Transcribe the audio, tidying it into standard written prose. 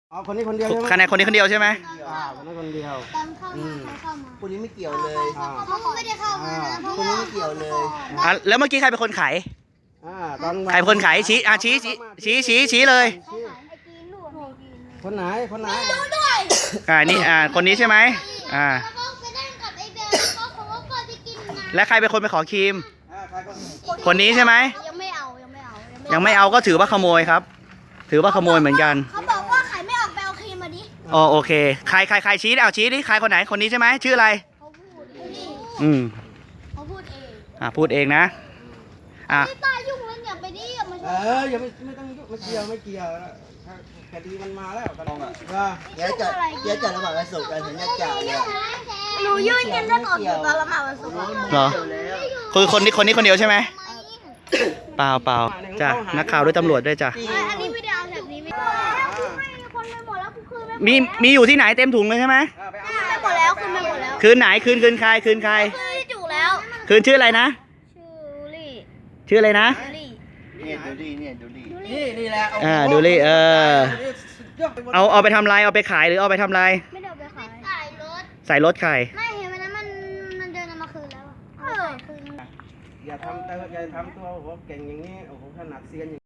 อ๋อคนนี้คนเดียวใช่ไหมคะแนนคนนี้คนเดียวใช่ไหมคนนี้คนเดียวตอนเข้ามาใครเข้ามาคนนี้ไม่เกี่ยวเลยเขาไม่ได้เข้ามานะเพราะคนว่านี้ไม่เกี่ยวเลยแล้วเมื่อกี้ใครเป็นคนขายตอนใครเป็นคนขายชี้ชี้เลยไอ้จีนลูกไอ้จีนคนไหนคนไหนรู้ด้วยนี่คนนี้ใช่ไหมแล้วก็ไปนั่งกับไอ้เบลแล้วก็เขาก็ก่อนไปกินน้และใครเป็นคนไปขอครีมใครก็คนนี้ใช่ไหมำยังไม่เอายังไม่เอาก็ถือว่าขโมยครับ ถือว่าขโมยเหมือนกันเขาบอกว่าไข่ไม่ออกไปเอาครีมมาดิอ๋อโอเคใครชี้ชี้ดิใครคนไหนคนนี้ใช่ไหมชื่ออะไรเขาพูดนี่อืมเขาพูดเองพูดเองนะไม่ตายยุ่งเลยอย่าไปดิอย่ามาชอย่าไม่ต้องยุ่งไม่เกี่ยวคดีมันมาแล้วตลองเดี๋ยวจะระหว่างวันศุกร์กันถึงจะจ่ายเนี่ยหนูยื่นเงินได้ก่อนอยู่ตอนละหมาดวันศุกร์เหรอคือคนนี้คนเดียวใช่ไหมเปล่าจ้ะนักข่าวด้วยตำรวจด้วยจ้ะอันนี้ไม่ได้เอาแบบนี้ไม่ได้ให้คนไปหมดแล้วกูคืนไปมีอยู่ที่ไหนเต็มถุงเลยใช่ไหมหมดแล้วคืนไปหมดแล้วคืนไหนคืนใครคืนใครคืนจุแล้วคืนชื่ออะไรนะชื่อลี่ชื่ออะไรนะลี่เนี่ยดูดิเนี่ยดูดินี่แหละดูดิเอาไปทำอะไรเอาไปขายหรือเอาไปทำอะไรไม่ได้เอาไปขายรถใส่รถใครไม่เห็นวันนั้นมันเดินเอามาคืนแล้วคืนอย่าทำตัวโอ้โหเก่งอย่างนี้โอ้โหขนาดเซียนอย่าง